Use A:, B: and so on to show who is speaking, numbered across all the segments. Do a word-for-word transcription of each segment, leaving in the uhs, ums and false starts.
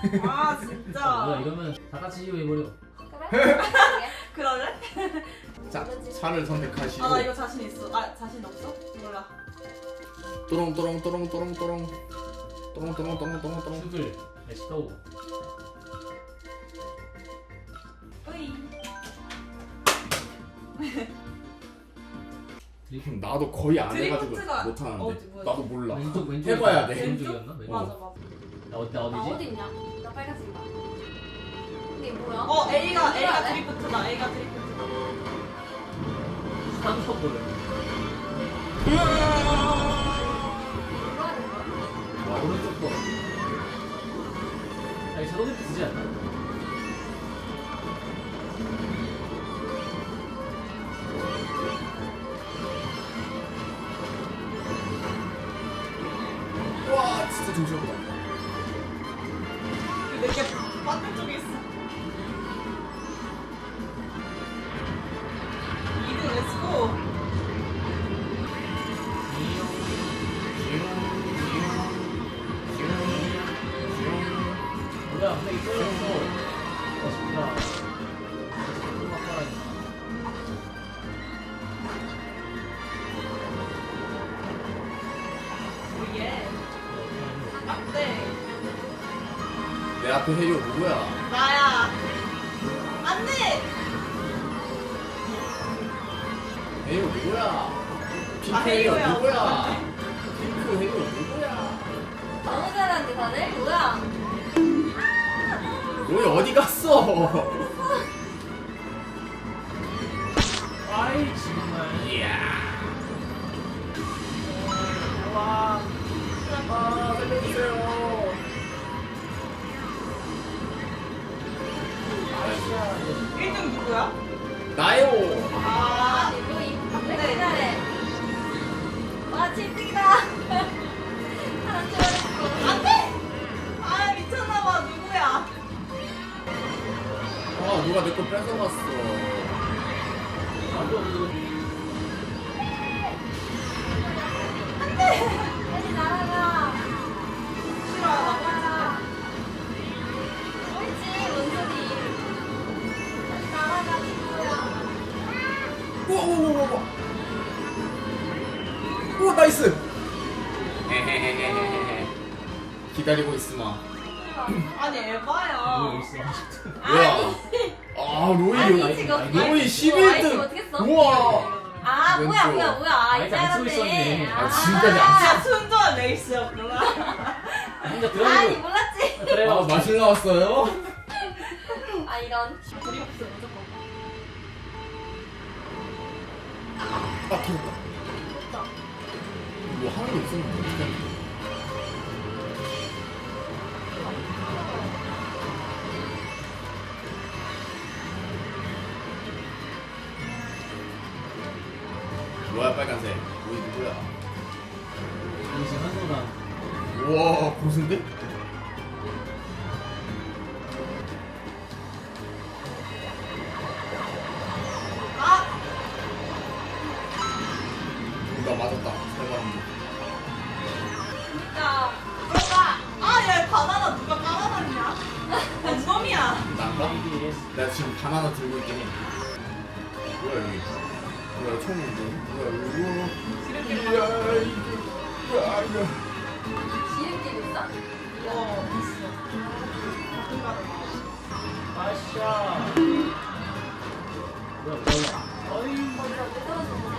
A: 아 진짜.
B: 뭐야 이러면 다 같이 이거 해버려.
C: 그래?
A: 그럴래?
D: 자, 차를 선택하시고.
A: 아 나 이거 자신 있어. 아 자신 없어? 몰라.
D: 또롱 또롱 또롱 또롱 또롱 또롱 또롱 또롱 또롱 또롱.
B: 슈글 렛츠고.
A: 으이.
B: 드리프트.
D: 나도 거의 안 해가지고
A: 드리프트가
D: 못하는데.
A: 어디, 뭐야?
D: 나도 몰라.
B: 왼쪽 왼쪽
D: 해봐야 돼.
B: 왼쪽이었나? 왼쪽.
A: 맞아 맞아.
B: 나 어디 나
C: 나
B: 어디지?
C: 어디 있냐? 나 빨간색이다. 근데 이게 뭐야?
A: 어 A가 A가
C: 네?
A: 드리프트다. A가 드리프트다.
B: 한번 보래.
C: 뭐라 하는 거야?
B: 와 오른쪽 거. 아니 자동 드리프트지 않나?
D: 와, 진짜 정신없다.
A: 내게 반대쪽에 있어. 이 등 렛츠고.
B: 뭐야 근데 이거 떨어졌어. 어 진짜. 음악 깔아야겠다.
A: 오예. 안돼.
D: 내 앞에 해리오 누구야?
A: 나야. 안돼.
D: 해리오 누구야? 핑크
A: 아,
D: 해리오
A: 해리오야.
D: 누구야? 핑크 해리오 누구야?
C: 너무 잘하는데 다들? 뭐야?
D: 로이 어디 갔어?
B: 아이 정말.
D: 이야.
B: 와.
D: 아, 살려주세요.
A: 일 등 누구야?
D: 나요.
A: 아.
C: 아니 뭐 이- 왜
A: 네.
C: 이렇게 잘해? 와 칠 등이다. 하나 줄어졌어.
A: 안돼. 아 미쳤나봐. 누구야?
D: 아, 누가 내 거 뺏어갔어.
B: 아, 또,
C: 빨리 날아가.
A: 싫어. 나
C: 날아가. 옳지 뭔 소리? 빨리 날아가 친구야.
D: 우와, 우와, 우와, 우와. 우와, 나이스. 헤헤헤헤헤헤. 기다리고 있으마.
A: 아니
B: 뭐
A: 에바야.
B: 있어?
D: 뭐야? 아, 로이
C: 아니
D: 여기.
C: 지금
D: 로이 십일 등.
C: 어떻게 써?
D: 우와.
C: 아 뭐야
D: 왼쪽.
C: 뭐야 뭐야 아
B: 아니,
C: 이제
B: 안 쓰고
C: 알았네.
B: 있었네.
D: 아, 지금까지 안
A: 아 순조한 레이스였구나.
B: 혼자
C: 아니
B: 들어가고.
C: 몰랐지.
B: 그래.
D: 아, 마실 나왔어요?
C: 아 이런.
A: 드리프트 무조건.
D: 아, 터졌다. 뭐 하는 거 있었는데 어떻게 하는 거야? 뭐야, 빨간색. 로이 누구야?
B: 우리 지금 한손당.
D: 우와, 고수인데?
A: 아
D: 나 맞았다. 살바람도.
C: 진짜.
A: 들어가. 아얘 바나나 누가 깔아놨냐? 놈이야.
D: 난가?
B: 에이비에스.
D: 내가 지금 바나나 들고 있긴 해. 뭐야, 여기. 뭐야, 총 있는데? 뭐야, 이거.
A: 지름길
D: 야,
A: 가자.
D: 이거. 야, 이거.
C: 지름길 있어?
A: 어 있어. 가끔 가다.
B: 아샤. 뭐야 뭐야. 어이.
C: 어디가 왜 떨어졌는데?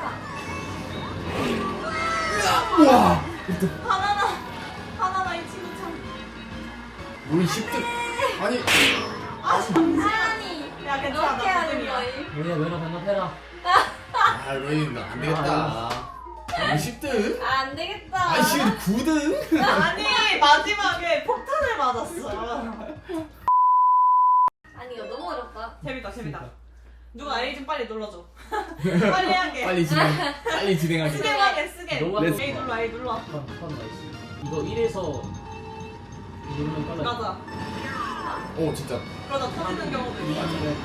D: 우와!
A: 바나나 바나나 이 친구 참.
D: 우리 십 등. 아니,
A: 아 잠시만.
C: 아니.
A: 야 괜찮아
C: 이렇게
A: 나
C: 하는
A: 등
C: 거임.
B: 얘네 면허 반납해라.
D: 아, 로이, 나안 되겠다. 우리 십 등?
C: 아, 안 되겠다.
D: 아이씨, 구 등?
A: 아니 마지막에 폭탄을 맞았어.
C: 아니 이거 너무 어렵다.
A: 재밌다 재밌다. 누가 A 좀 빨리 눌러줘. 빨리 하게.
D: 빨리 진행, 빨리 진행하자.
A: 쓰게 하게 쓰게.
B: 너가
D: 렛츠
A: A 눌러 A 눌러.
B: 턴, 턴 나이스. 이거 일에서 누르면 빨라.
A: 맞아.
D: 오, 진짜.
A: 그러다 터지는 경우도 있어.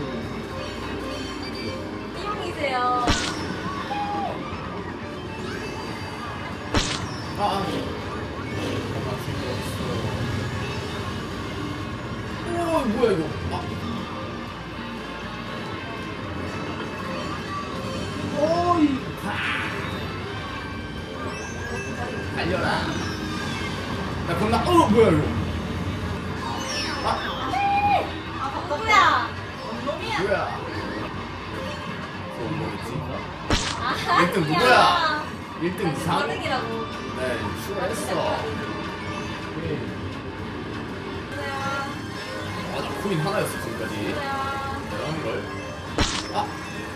C: 띠용이세요.
D: 아, 아. 잠깐만, 쓸거 없어. 뭐야 이거. 아.
B: 어이.
D: 달려라. 나 겁나. 어 뭐야 이거.
C: 아 누구야?
A: 원놈이야.
D: 뭐야. 어 뭐였지?
C: 아
D: 일 등 누구야? 일 등 이상.
C: 사등이라고.
D: 네 추가했어. 아나 코인 하나였어 지금까지. 대단한 걸. 아.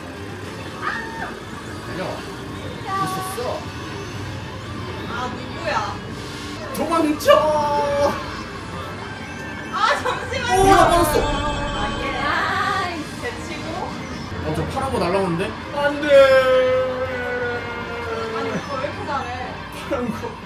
D: 달려. 있었어.
A: 아 누구야?
D: 도망쳐.
A: 아 잠시만요.
D: 오, 나 빠졌어.
A: 아 예.
C: 아이.
A: 제치고.
D: 어, 저 파란 거 날라오는데? 안 돼!
A: 아니 오빠 왜 이렇게 잘해?
D: 파란 거.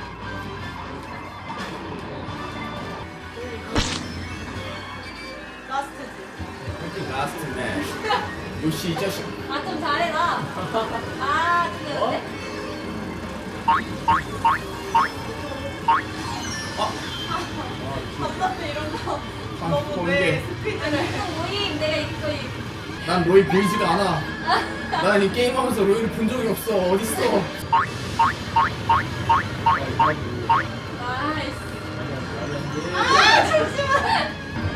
A: 라스트지.
D: 라스트 네. 요시 이 자식.
C: 아 좀 잘해 나. 아 근데
A: 답답해 이런 거.
D: 아,
A: 너무
D: 번개.
A: 내 스피드를.
C: 또 모임 내가 이거 이.
D: 난 로이 보이지도 않아. 난 이 게임하면서 로이를 본 적이 없어. 어딨어?
C: 나이스.
A: 아 잠시만.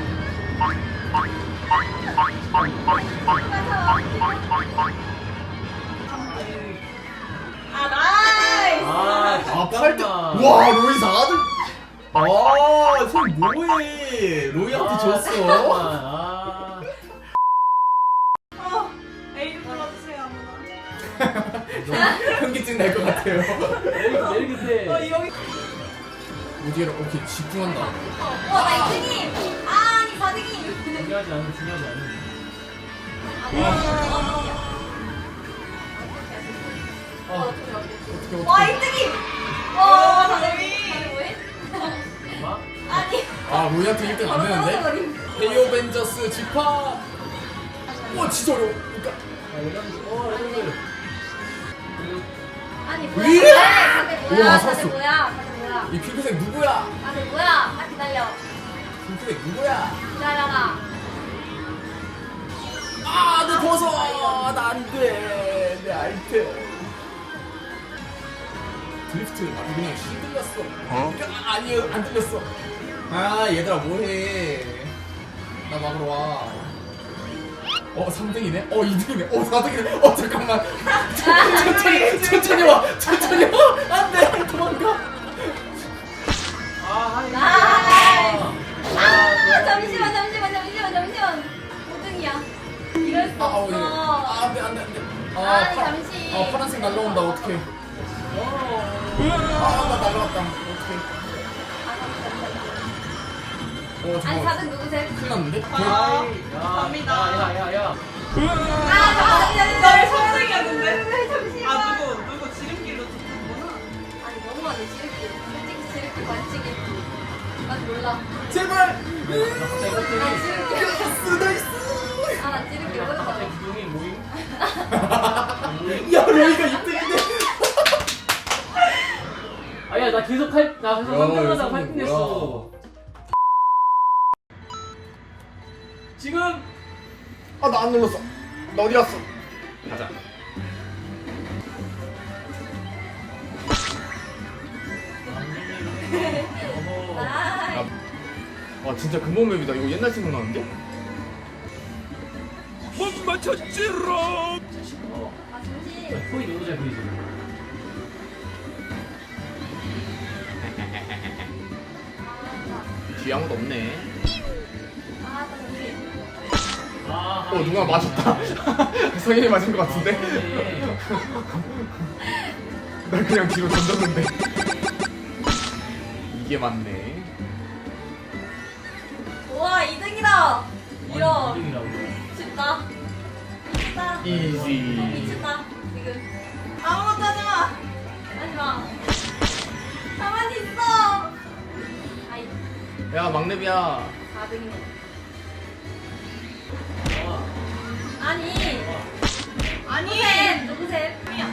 A: 아 나이스.
B: 아,
D: 아, 팔 등. 와, 로이 사 등. 아, 손 뭐해? 로이한테 줬어.
B: 아.
A: 어, 에이 좀 불러주세요 아무나.
D: 현기증 날 것 같아요.
B: 내리 끝에.
A: 어 여기.
D: 오디에라, 오케이, 집중한다.
C: 어나 이 등임. 아니 사 등임.
B: 중요하지 않은 중요하지 않은.
C: 어,
D: 어떻게,
C: 와
D: 어떻게.
C: 일 등임.
A: 어,
C: 와 다들
A: 저기.
C: 다들 뭐해?
B: 마?
C: 아니.
D: 아, 로이한테 일 등 안
C: 바로
D: 되는데?
C: 떨어져버림.
D: 헤이오벤져스 집합! 와, 진짜 어려워. 그러니까.
B: 아, 레전드. 어, 레전드.
C: 아니
D: 위!
C: 뭐야? 다들
D: 우와,
C: 뭐야?
D: 살았어.
C: 다들 뭐야? 다들 뭐야?
D: 이 핑크색 누구야?
C: 다들 뭐야? 딱 기다려.
D: 핑크색 누구야?
C: 기다려라.
D: 아, 내 벗어! 나 안 돼. 내 아이템. 드리프트 아주 그냥 휘둘렸어. 어? 아, 아니, 안 들렸어. 아, 얘들아, 뭐해. 나 막으러 와. 어, 삼 등이네? 어, 이 등이네? 어, 사 등이네? 어, 잠깐만. 천천히, 천천히 와. 천천히 와. 안 돼. 도망가.
B: 아, 하이.
C: 나이스.
B: 아,
C: 아 잠시만 잠시만 잠시만 잠시만. 오 등이야. 이럴 수
D: 아, 어, 이거.
C: 없어.
D: 아, 안 돼, 안 돼, 안 돼.
C: 아니,
D: 파-
C: 잠시.
D: 아, 파란색 날라온다. 어떡해. 아, 나 날라갔다. 어떡해. 어,
C: 아니
D: 잠깐만.
C: 사 등 누구세요?
D: 큰일 났는데?
A: 아,
B: 야,
A: 갑니다.
B: 야, 야, 야.
C: 아 잠시만
A: 나왜 삼등이었는데?
C: 잠시만.
A: 아 누구 누구 지름길로 줬구나.
C: 아니 너무하네 지름길. 솔직히 지름길 반칙이. 난 몰라.
D: 제발!
B: 나 갑자기 깜짝이.
C: 난 지름길.
D: 나이스, 나이스!
C: 아나 지름길
B: 나
C: 모르겠어.
B: 갑자기 기둥이 모임.
D: 야, 로이가 이 등인데?
B: 아야, 나 계속 할, 나 계속 한 등 하다가
D: 이거
B: 팔 등 됐어. 지금.
D: 아, 나 안 눌렀어. 나 어디 갔어? 가자.
B: 어허.
C: 나이스.
D: 와, 진짜 근본 맵이다. 이거 옛날 생각나는데? 못 맞췄지롱!
B: 어.
C: 아 잠시.
B: 소리 너무 잘 보이지.
D: 뒤에 아무도 없네.
C: 아 잠시.
B: 아.
D: 어, 누가 맞았다. 성현이 맞은 것 같은데?
B: 네.
D: 나 그냥 뒤로 던졌는데. 이게 맞네.
C: 우와 이 등이다. 이런.
B: 이등이라고.
C: 미쳤다. 미쳤다.
D: 이지.
C: 미쳤다. 지금.
A: 아무것도 하지 마.
C: 하지마. 가만히 있어. 아이
D: 야, 막내비야.
C: 사 등이네.
B: 와.
C: 아니.
A: 아니.
C: 누구셈?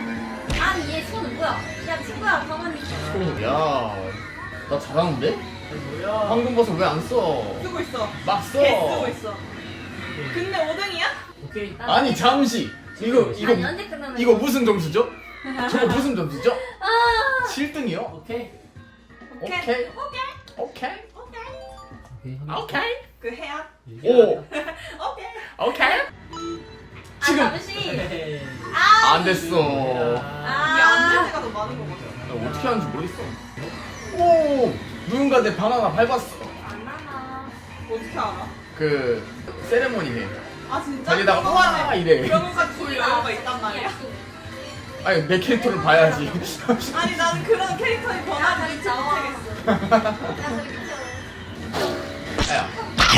C: 누구셈? 아니 얘 손은 뭐야? 야 친구야 가만히 있어.
D: 야, 나 잘하는데?
B: 뭐야?
D: 황금버섯 왜 안 써?
A: 쓰고 있어.
D: 막 써.
A: 개 쓰고 있어. 근데 오 등이야?
B: 오케이.
D: 아니 잠시. 이거 이거
C: 아니 언제 끝나는
D: 이거
C: 거야?
D: 무슨 점수죠? 저거 무슨 점수죠?
C: 아
D: 칠 등이요?
B: 오케이.
D: 오케이.
A: 오케이.
D: 오케이.
A: 오케이.
D: 오케이.
A: 그 해야.
D: 오.
A: 오케이.
D: 오케이.
C: 아,
D: 지금
C: 잠시
B: 네.
C: 아
D: 안 됐어.
A: 이게 안 될 때가 더 많은 거거든.
D: 나 어떻게 하는지 모르겠어. 오! 누군가 내 바나나 밟았어.
C: 안 나나
A: 어떻게 알아?
D: 그 세레모니 해.
A: 아 진짜?
D: 자기다가
A: 그런
D: 우와
A: 거는
D: 이래.
A: 그런 것까지 볼 여유가 있단 말이야?
D: 아니 내 캐릭터를 봐야지.
A: 아니 나는 그런 캐릭터의
C: 야,
A: 변화를
C: 저기
A: 미처
C: 나와.
A: 못하겠어.
C: 야 저기 비켜
D: 야,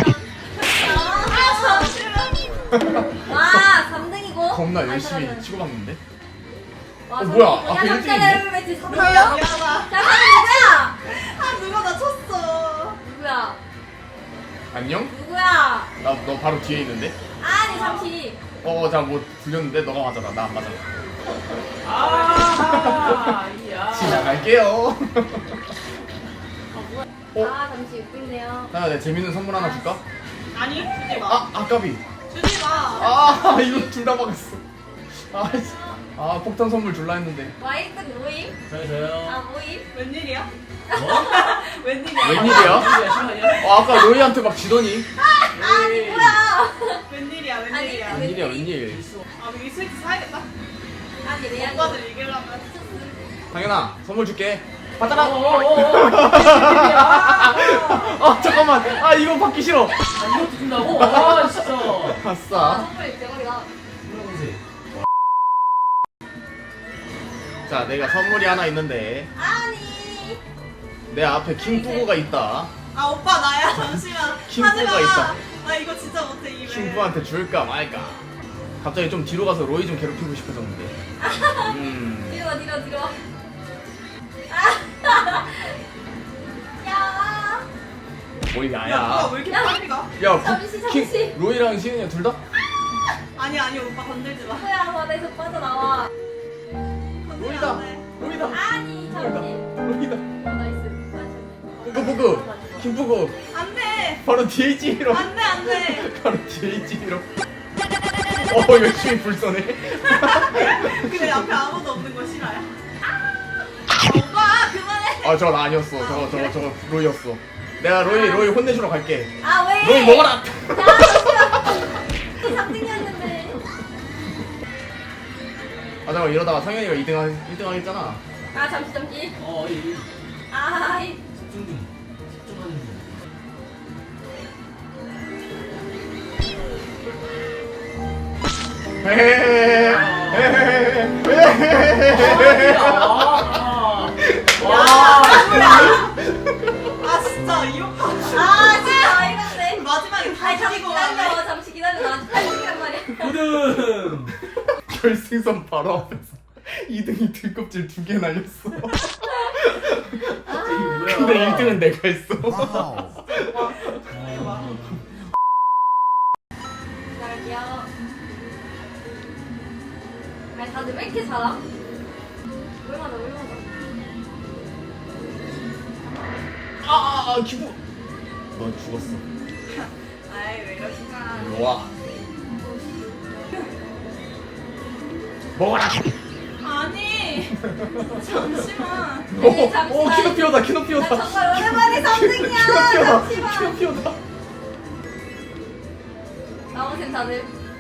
A: 아 잠시만.
C: 와 삼 등이고
D: 겁나 열심히 치고받는데.
C: 와,
D: 어, 뭐야?
C: 삼 등이고.
D: 앞에
C: 야
D: 일 등이네?
C: 삼 등이야 왜 삼 등이야?
A: 미안하다.
C: 자 삼 누구야?
A: 아 누가 나 쳤어.
C: 누구야?
D: 안녕?
C: 누구야?
D: 나 너 바로 뒤에 있는데.
C: 아니 잠시
D: 어, 자뭐 불렸는데 너가 맞아라. 나 안 맞아.
B: 아, 이야.
D: 시작할게요. 어?
C: 아 잠시 웃긴데요
D: 나 내가 재밌는 선물 하나 줄까?
A: 아니 주지 마.
D: 아, 아까비.
A: 주지 마.
D: 아, 이거 둘 다 막았어. 아, 씨. 아, 폭탄 선물 줄라 했는데.
C: 와 일 등 모임?
B: 저요, 저요.
C: 아 모임?
A: 웬일이야?
B: 뭐?
A: 웬일이야?
D: 웬일이야?
B: 시간이야, 시간이야.
D: 어, 아까 로이한테 막 지더니.
B: 에이.
C: 뭐야?
A: 웬일이야?
C: 아니,
A: 웬일이야?
C: 그
D: 웬일이야, 웬일.
A: 아 여기 스위치 사야겠다.
C: 아니 레알
A: 오빠들 이기려면.
D: 당연아, 선물 줄게.
B: 어,
D: 받아라.
B: 어, 어, 어. 아,
D: 아, 잠깐만. 아, 이거 받기 싫어.
B: 아, 이것도 준다고? 아, 진짜.
C: 아
D: 아싸.
C: 선물 대박이다
B: 물어보세요.
D: 자, 내가 선물이 하나 있는데.
C: 아니
D: 내 앞에 킹푸구가 있다.
A: 아 오빠 나야 잠시만.
D: 킹푸가
A: 하지 마.
D: 있다.
A: 나 이거 진짜 못해 이래.
D: 킹푸한테 줄까 말까. 갑자기 좀 뒤로 가서 로이 좀 괴롭히고 싶어졌는데. 음.
C: 뒤로 와 뒤로 뒤로 아. 야
D: 뭘
A: 야 누가
D: 야야.
A: 왜 이렇게
C: 야.
A: 빨리 가?
D: 야,
C: 잠시,
D: 그, 킹,
C: 잠시.
D: 로이랑 시은이가 둘 다?
A: 아니 아니 오빠 건들지 마.
C: 뭐야 바다에서 빠져나와
A: 건들면
D: 로이다.
A: 안 돼.
D: 로이다.
C: 아니 잠시
D: 로이다.
C: 어 나이스 맞췄네
D: 푸구, 킹푸구.
A: 안돼.
D: 바로 뒤에 있지로.
A: 안돼 안돼.
D: 바로 뒤에 있지로. 어, 열심히 불 쏘네.
A: 근데 앞에 아무도 없는 거 싫어요? 아, 오빠 그만해.
D: 아, 저건 아니었어. 저거, 저거, 저거 로이였어. 내가 로이, 로이 혼내주러 갈게.
C: 아 왜?
D: 로이 먹어라!
C: 야 잠시만 삼 등이었는데
D: 아, 잠깐 이러다가 상현이가 이 등, 하, 일 등 하겠잖아.
C: 아 잠시 잠시
B: 어, 이,
C: 아이
B: 집중 중. 집중하는 중. 아, 와.
A: 아 진짜 이 오빠.
C: 아 진짜 어이없네
A: 마지막에 다
C: 아니 잠시
A: 이기고
C: 기다려 잠시 기다려 나 아직 팔 등이란 말이야
B: 구등.
D: 결승선 바로 앞에서 이 등이 등껍질 두 개 날렸어.
B: 이게 뭐야?
D: 근데 일 등은 내가 했어.
C: 기다릴게요 아니 다들 왜 이렇게 잘함? 얼마나 얼마나
D: 아, 아, 아, 기부. 넌 죽었어.
A: 아이 왜 이러시나.
D: 일로 와. 먹어라.
A: 아니 잠시만.
D: 오, 오,
C: 잠시만.
D: 키노피오다,
C: 나
D: 키노피오다.
C: 정말 오랜만에 삼 등이야
D: 키노피오다,
C: 잠시만
D: 키노피오다.
C: 나오세요 다들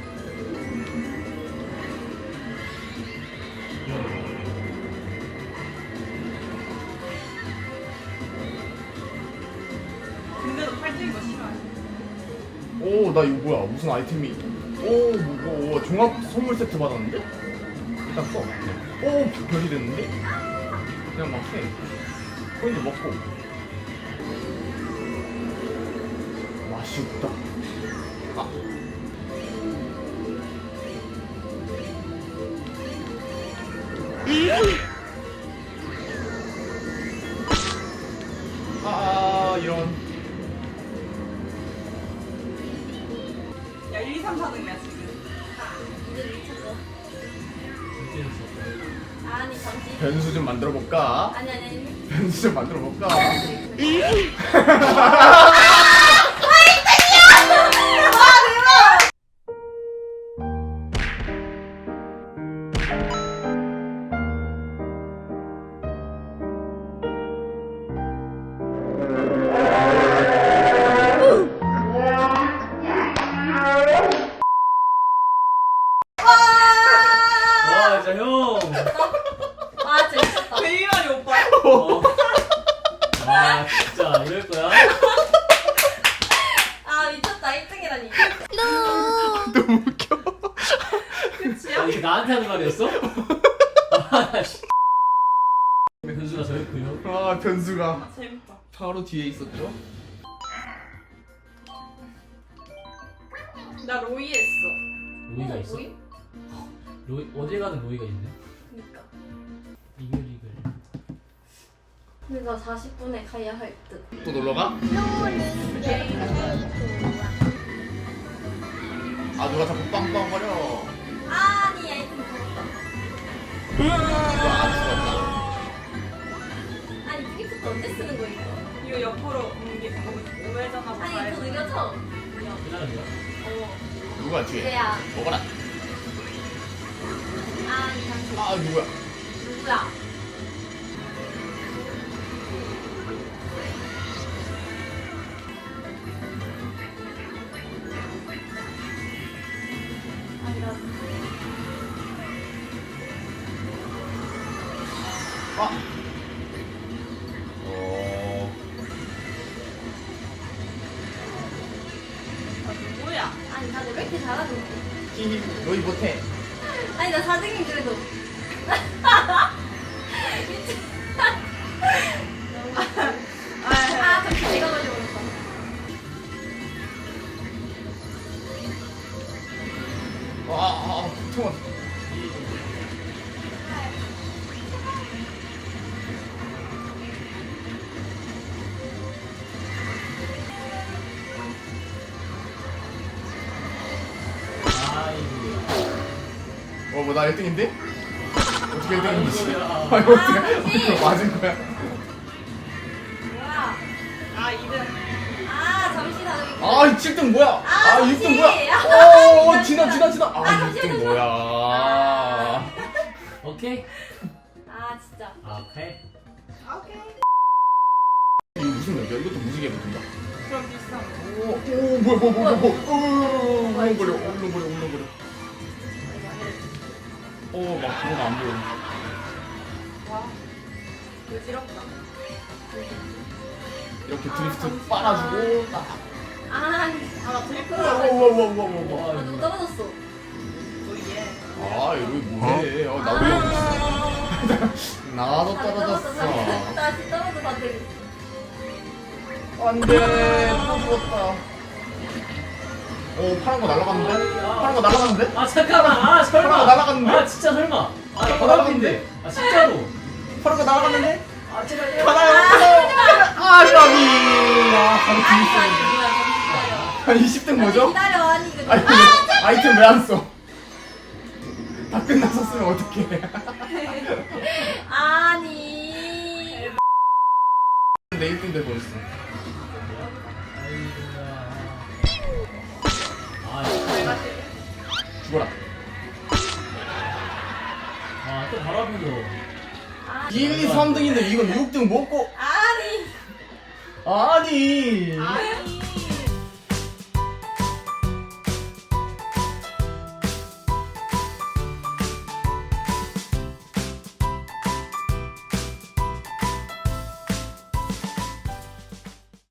A: 근데도 팔찌인 거 싫어해.
D: 오, 나 이거 뭐야? 무슨 아이템이? 오, 뭐, 뭐 종합 선물 세트 받았는데? 일단 써. 오, 별이 됐는데? 그냥 막 해. 코인도 먹고. 맛이 없다. 아. 아, 이런.
A: 야 일, 이, 삼, 사 등이야 지금.
C: 이제 미쳤어 아니 잠시
D: 변수 좀 만들어 볼까?
C: 아니 아니 아니
D: 변수 좀 만들어 볼까?
B: 와 진짜 형.
C: 아 재밌었다.
A: 베이만이 오빠.
B: 어. 아 진짜 이럴 거야?
C: 아 미쳤다. 일 등이라니.
D: 너무 웃겨.
A: 끝이야?
B: 아, 이게 나한테 하는 말이었어? 아 씨. 변수가 저였고요.
D: 아 변수가
A: 아, 재밌다.
D: 바로 뒤에 있었죠?
A: 나 로이 했어.
B: 로이가 있어?
C: 뭐임?
B: 로이 어디 가는 로이가 있네.
C: 그니까.
B: 이글 이글.
C: 근데 나 사십 분에 가야 할 듯.
D: 또 놀러 가? 아 누가 자꾸 빵빵거려.
C: 아니 아이템 먹었다.
D: 아 죽었다.
C: 아니 프리프트 언제 쓰는 거야 이거?
A: 이거 옆으로 옮기 오메잖아.
C: 아니 이거 느려져.
B: 괜찮은데요?
C: 어.
D: 누가 뒤에?
C: 그래야.
D: 먹어라.
C: 아니 잠시.
D: 아 누구야?
C: 누구야? 아니 나.
D: 아. 어.
A: 아, 누구야?
C: 아니 다들 왜 이렇게 잘하는데?
D: 히히 너희 못해.
C: 아니 나 사 등인 그래도. 미친. 아 잠시 내가 걸려버렸다.
D: 아아 통화.
B: 아이고야.
D: 어뭐 나 일 등인데? 어떻게 일 등인지?
B: 아이고야.
D: 아니 어떻게
C: 아, 그치?
D: 어떻게 맞은 거야?
C: 뭐야?
A: 아, 이등.
C: 아 잠시 다들.
D: 아 칠 등 뭐야?
C: 아,
D: 육 등
C: 잠시.
D: 뭐야?
C: 아,
D: 오
C: 잠시.
D: 지나 지나 지나. 아
C: 아,
D: 육 등
C: 잠시,
D: 뭐야?
C: 아.
B: 오케이.
C: 아 진짜.
B: 아, 오케이.
A: 오케이.
D: 이거 무슨 맵이야? 이것도 무지개 붙은다.
A: 그럼 비슷한 거.
D: 오, 오, 뭐야, 뭐야, 뭐야, 뭐야, 오, 울렁거려, 울렁거려, 울렁거려. 오, 막 그건 안 보여.
A: 와. 어지럽다.
D: 이렇게
A: 아,
D: 드리프트
A: 잠시만.
D: 빨아주고, 딱.
C: 아니.
A: 아, 나 드리프트
D: 우와,
A: 하고
D: 우와, 우와, 우와, 우와.
C: 아 누구 떨어졌어?
A: 로이에.
D: 아, 이거 뭐해? 어, 나도 나도
C: 다들
D: 떨어졌어.
C: 다시 떨어져 다들.
D: 안 돼, 또 죽었다. 오, 파란 거 날아갔는데? 파란 거 날아갔는데?
B: 아 잠깐만. 아 설마.
D: 설마 날아갔는데?
B: 아 진짜 설마. 아
D: 설마
B: 바람인데. 아 진짜로.
D: 파란 거 날아갔는데?
B: 아 제발.
D: 가나요? 가나요? 아, 까비. 아, 바로 뒤에
C: 아니
D: 있어.
C: 아니 뭐야 잠시 기다려.
D: 아, 이십 등 뭐죠?
C: 아니, 기다려 아니 이거.
D: 아니,
C: 아
D: 아이템 왜 안 써? 다 끝났었으면 어떡해.
C: 아니.
D: 내 일 등 돼 버렸어.
B: 아,
A: 내가 제일.
D: 죽어라.
B: 아, 또 바로 앞에서.
C: 아니.
D: 일, 이, 삼 등인데 이건 육 등 먹고.
C: 아니.
D: 아니.
A: 아니.